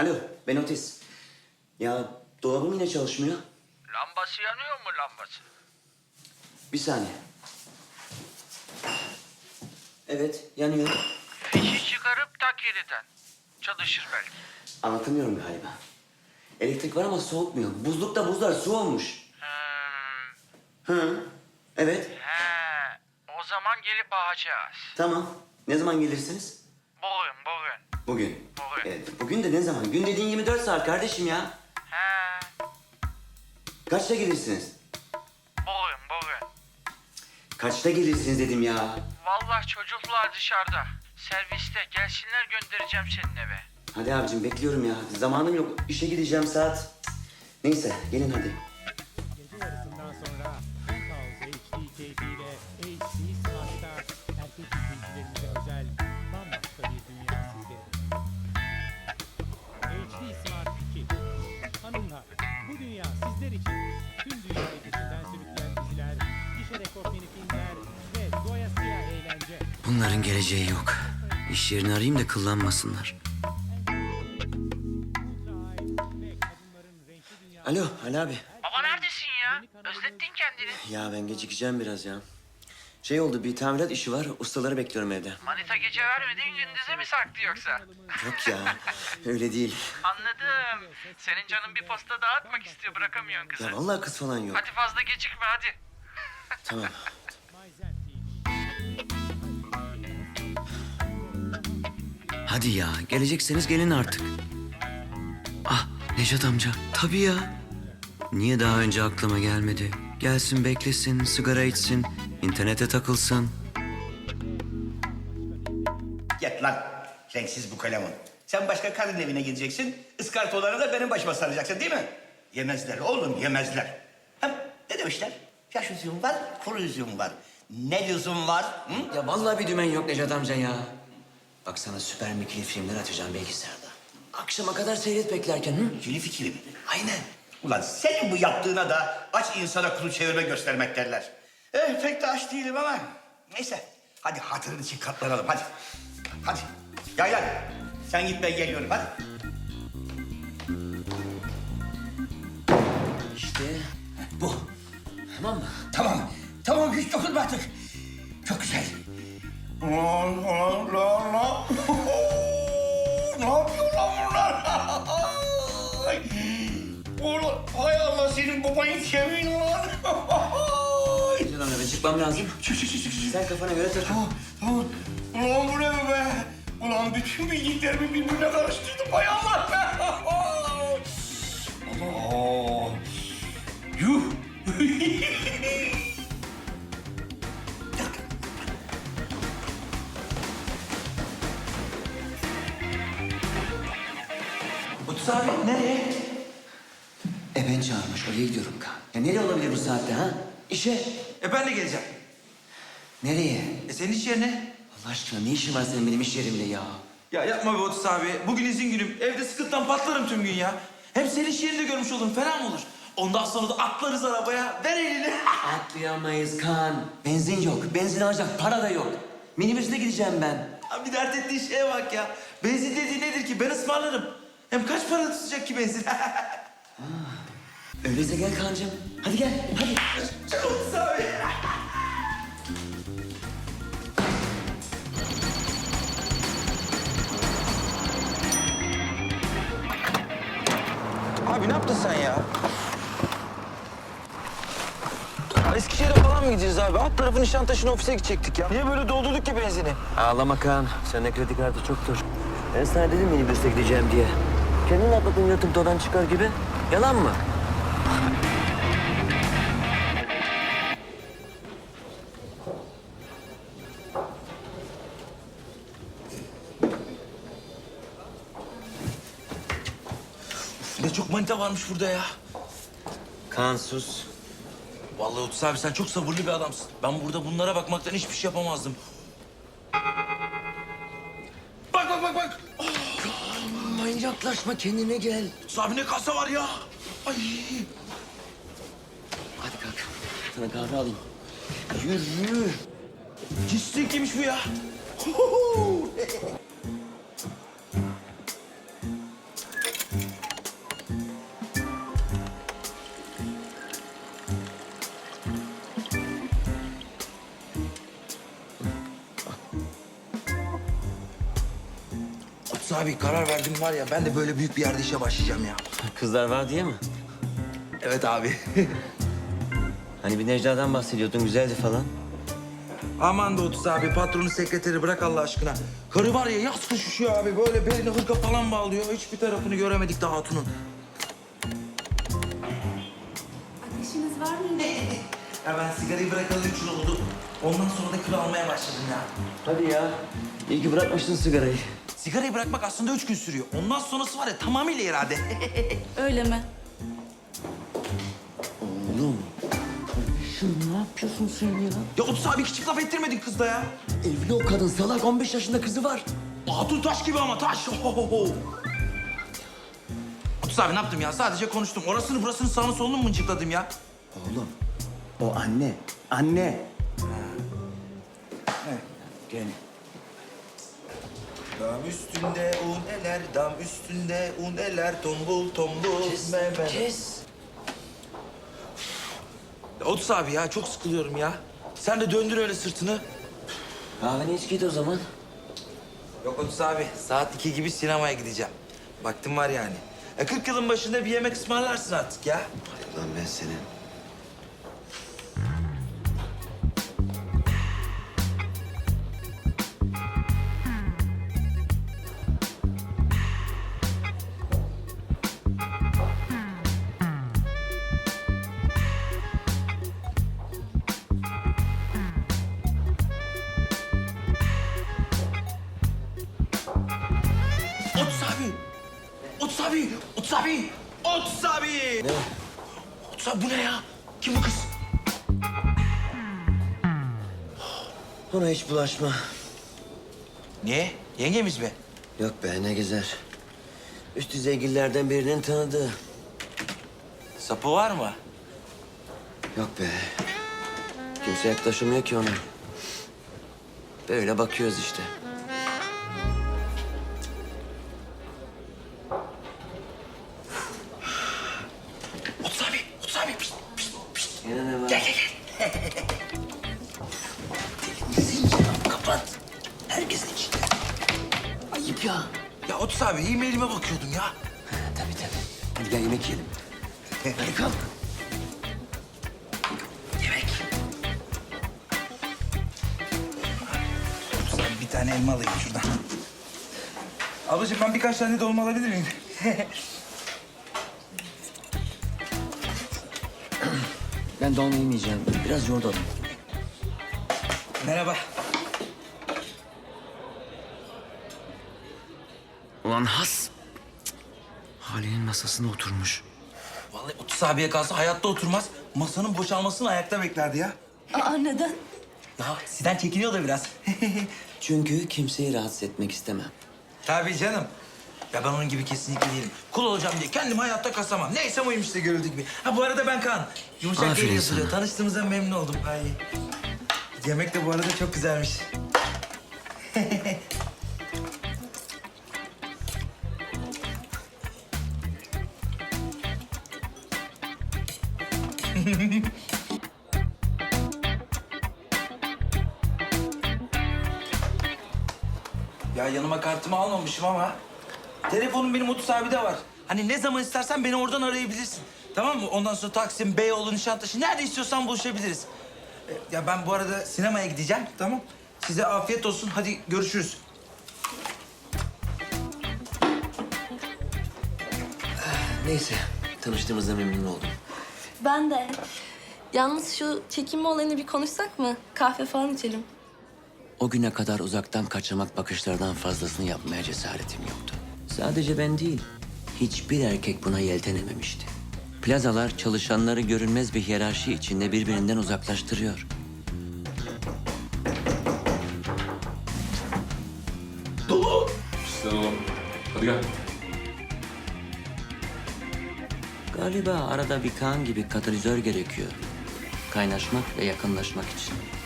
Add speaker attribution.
Speaker 1: Alo, ben Otis. Ya dolabım yine çalışmıyor.
Speaker 2: Lambası yanıyor mu lambası?
Speaker 1: Bir saniye. Evet, yanıyor.
Speaker 2: Fişi çıkarıp tak yeniden. Çalışır belki.
Speaker 1: Anlatamıyorum galiba. Elektrik var ama soğutmuyor. Buzlukta buzlar su olmuş. Hı, evet,
Speaker 2: He. O zaman gelip bakacağız.
Speaker 1: tamam. Ne zaman gelirsiniz?
Speaker 2: Bugün.
Speaker 1: Bugün.
Speaker 2: Bugün.
Speaker 1: Evet, bugün de ne zaman? Gün dediğin 24 saat kardeşim ya.
Speaker 2: He.
Speaker 1: Kaçta gelirsiniz?
Speaker 2: Bugün.
Speaker 1: Kaçta gelirsiniz dedim ya.
Speaker 2: Vallahi çocuklar dışarıda. Serviste. Gelsinler göndereceğim senin eve.
Speaker 1: Hadi abicim bekliyorum ya. Zamanım yok. İşe gideceğim saat. Cık. Neyse gelin hadi.
Speaker 3: Gece yarısından sonra Penthouse HD keyfiyle HD Smart'ta erkek izleyicilerimize özel bambaşka bir dünya sizlere. HD Smart 2. Hanımlar, bu dünya sizler için. Tüm dünyayı peşinden sürükleyen diziler, gişe rekortmeni filmler ve doyasıya eğlence.
Speaker 1: Bunların geleceği yok. İş yerini arayayım da kıllanmasınlar.
Speaker 3: Ultra high ve kadınların renkli dünyası.
Speaker 1: Alo Ali abi.
Speaker 2: Baba neredesin ya? Özlettin kendini.
Speaker 1: Ya ben gecikeceğim biraz ya. Şey oldu bir tamirat işi var. Ustaları bekliyorum evde.
Speaker 2: Manita gece vermediğin gündüze mi saktı yoksa?
Speaker 1: Yok ya öyle değil.
Speaker 2: Anladım. Senin canın bir posta dağıtmak istiyor, bırakamıyorsun kızı.
Speaker 1: Ya vallahi kız falan yok.
Speaker 2: Hadi fazla gecikme hadi.
Speaker 1: Tamam.
Speaker 3: Myzen TV.
Speaker 1: Hadi ya gelecekseniz gelin artık. Ah Nejat amca. Tabii ya. Niye daha önce aklıma gelmedi? Gelsin beklesin, sigara içsin, internete takılsın.
Speaker 4: Yat lan renksiz bu kalemun. Sen başka kadın evine gideceksin. Iskartoları da benim başıma saracaksın değil mi? Yemezler oğlum yemezler. Hem ne demişler? Yaş üzüm var, kuru üzüm var. Ne lüzum var? Hı?
Speaker 1: Ya vallahi bir dümen yok Nejat amca ya. Bak sana süper mikili filmler açacağım bilgisayarda. Akşama kadar seyret beklerken. Hı?
Speaker 4: İkili fikri mi?
Speaker 1: Aynen.
Speaker 4: Ulan senin bu yaptığına da aç insana kulu çevirme göstermek derler. Pek de aç değilim ama. Neyse. Hadi hatırın için katlanalım hadi. Hadi. Yaylan. Sen git ben geliyorum hadi.
Speaker 1: İşte bu. Tamam mı?
Speaker 4: Tamam. Tamam hiç dokunma artık. Çok güzel. La. Ne yapıyor lan bunlar? Ulan hay Allah senin babayın kemiğini lan.
Speaker 1: Nejat amca ben çıkmam lazım.
Speaker 4: Çık.
Speaker 1: Sen kafana göre takıl.
Speaker 4: Tamam. Ulan bu ne be? Ulan bütün bildiklerimi birbirine karıştırdım hay Allah be. Allah. Yuh.
Speaker 1: Otus abi nereye? Ben çağırmış oraya gidiyorum Kaan. Ya nereye olabilir bu saatte ha? İşe.
Speaker 5: Ben de geleceğim.
Speaker 1: Nereye?
Speaker 5: Senin iş yerine.
Speaker 1: Allah aşkına ne işin var senin benim iş yerimde ya?
Speaker 5: Ya yapma be Otis abi. Bugün izin günüm. Evde sıkıntıdan patlarım tüm gün ya. Hem senin iş yerinde görmüş olurum. Fena mı olur? Ondan sonra da atlarız arabaya. Ver elini.
Speaker 1: Atlayamayız Kaan. Benzin yok. Benzin alacak para da yok. Minibüsle gideceğim ben.
Speaker 5: Abi dert ettiğin şeye bak ya. Benzin dediği nedir ki? Ben ısmarlarım. Hem kaç para tutacak ki benzin?
Speaker 1: Öyleyse gel Kaan'cığım. Hadi gel. Hadi.
Speaker 5: Çık Otis abi. Abi ne yaptın sen ya? Ya Eskişehir'e falan mı gideceğiz abi? Alt tarafı Nişantaşı'nın ofise gidecektik ya. Niye böyle doldurduk ki benzini?
Speaker 1: Ağlama Kaan. Sende kredi kartı çoktur. Ben sana dedim minibüsle gideceğim diye. Kendin atladın yatıp dodan çıkar gibi. Yalan mı?
Speaker 5: Ne çok manita varmış burada ya.
Speaker 1: Kaan sus.
Speaker 5: Vallahi Otis abi sen çok sabırlı bir adamsın. Ben burada bunlara bakmaktan hiçbir şey yapamazdım. Bak.
Speaker 1: Manyaklaşma kendine gel.
Speaker 5: Otis abi ne kasa var ya. Ay.
Speaker 1: Hadi kalk. Sana kahve alayım. Yürü.
Speaker 5: Cistin kimmiş bu ya? Otuz abi karar verdim var ya ben de böyle büyük bir yerde işe başlayacağım ya.
Speaker 1: Kızlar var diye mi?
Speaker 5: Evet abi.
Speaker 1: Hani bir Necla'dan bahsediyordun, güzeldi falan.
Speaker 5: Aman da Otuz abi patronu sekreteri bırak Allah aşkına. Karı var ya yaz kış üşüyor abi böyle beline hırka falan bağlıyor. Hiçbir tarafını göremedik daha hatunun.
Speaker 6: Ateşiniz var mıydı?
Speaker 5: Ya ben sigarayı bırakalı 3 yıl oldu. Ondan sonra da kilo almaya başladım ya.
Speaker 1: Hadi ya. İyi ki bırakmışsın sigarayı.
Speaker 5: Sigarayı bırakmak aslında 3 gün sürüyor. Ondan sonrası var ya tamamıyla irade.
Speaker 6: Öyle mi?
Speaker 1: Oğlum. Ne yapıyorsun sen ya?
Speaker 5: Ya Otuz abi hiç laf ettirmedin kızla ya.
Speaker 1: Evli o kadın salak, 15 yaşında kızı var.
Speaker 5: Hatun taş gibi ama taş. Ohohoho. Otuz abi ne yaptım ya? Sadece konuştum. Orasını burasını sağını solunu mu mıncıkladım ya?
Speaker 4: Oğlum, o anne. Anne. Gel.
Speaker 5: Dam üstünde un eler, dam üstünde un eler, tombul tombul.
Speaker 1: Kes.
Speaker 5: Ya Otuz abi ya çok sıkılıyorum ya. Sen de döndür öyle sırtını.
Speaker 1: Kahveni iç git o zaman.
Speaker 5: Yok Otuz abi saat 2 gibi sinemaya gideceğim. Vaktim var yani. 40 yılın başında bir yemek ısmarlarsın artık ya.
Speaker 1: Lan ben senin.
Speaker 5: Otuz abi! Otuz abi! Otuz abi! Otuz abi!
Speaker 1: Ne?
Speaker 5: Otuz abi bu ne ya? Kim bu kız?
Speaker 1: Ona hiç bulaşma.
Speaker 5: Niye? Yengemiz mi?
Speaker 1: Yok be, ne gezer. Üst düzeygillerden birinin tanıdığı.
Speaker 5: Sapı var mı?
Speaker 1: Yok be. Kimse yaklaşamıyor ki ona. Böyle bakıyoruz işte.
Speaker 5: Otuz abi! Otuz abi! Pişt, pişt, pişt.
Speaker 1: Yine ne var?
Speaker 5: Gel gel gel.
Speaker 1: Kapat. Herkesin içinde. Ayıp ya.
Speaker 5: Ya Otuz abi e-mailime bakıyordum ya.
Speaker 1: Tabii tabii. Hadi gel yemek yiyelim. Hadi kalk.
Speaker 5: Yemek. Otuz abi bir tane elma alayım şuradan. Ablacığım ben birkaç tane dolma alabilir miyim?
Speaker 1: Ben dolma yemeyeceğim. Biraz yoğurt
Speaker 5: Merhaba.
Speaker 1: Ulan has. Cık. Hali'nin masasına oturmuş.
Speaker 5: Vallahi Otuz abiye kalsa hayatta oturmaz. Masanın boşalmasını ayakta beklerdi ya.
Speaker 6: Aa neden?
Speaker 5: Ya sizden çekiniyor da biraz.
Speaker 1: Çünkü kimseyi rahatsız etmek istemem.
Speaker 5: Tabii canım. Ya ben onun gibi kesinlikle değilim. Kul olacağım diye kendimi hayatta kasamam. Neyse oymuş işte görüldüğü gibi. Ha bu arada ben Kaan. Yumuşak
Speaker 1: Aferin
Speaker 5: geliyor yazılıyor.
Speaker 1: sana.
Speaker 5: Tanıştığımıza memnun oldum. Ay. Yemek de bu arada çok güzelmiş. Ya yanıma kartımı almamışım ama telefonum benim Otuz abi de var. Hani ne zaman istersen beni oradan arayabilirsin. Tamam mı? Ondan sonra Taksim, Beyoğlu, Nişantaşı nerede istiyorsan buluşabiliriz. Ya ben bu arada sinemaya gideceğim. Tamam. Size afiyet olsun. Hadi görüşürüz.
Speaker 1: Neyse. Tanıştığımızda memnun oldum.
Speaker 6: Ben de. Yalnız şu çekinme olayını bir konuşsak mı? Kahve falan içelim.
Speaker 1: O güne kadar uzaktan kaçamak bakışlardan fazlasını yapmaya cesaretim yoktu. Sadece ben değil, hiçbir erkek buna yeltenememişti. Plazalar çalışanları görünmez bir hiyerarşi içinde birbirinden uzaklaştırıyor.
Speaker 7: Sen oğlum. Hadi gel.
Speaker 1: Galiba arada bir Kaan gibi katalizör gerekiyor. Kaynaşmak ve yakınlaşmak için.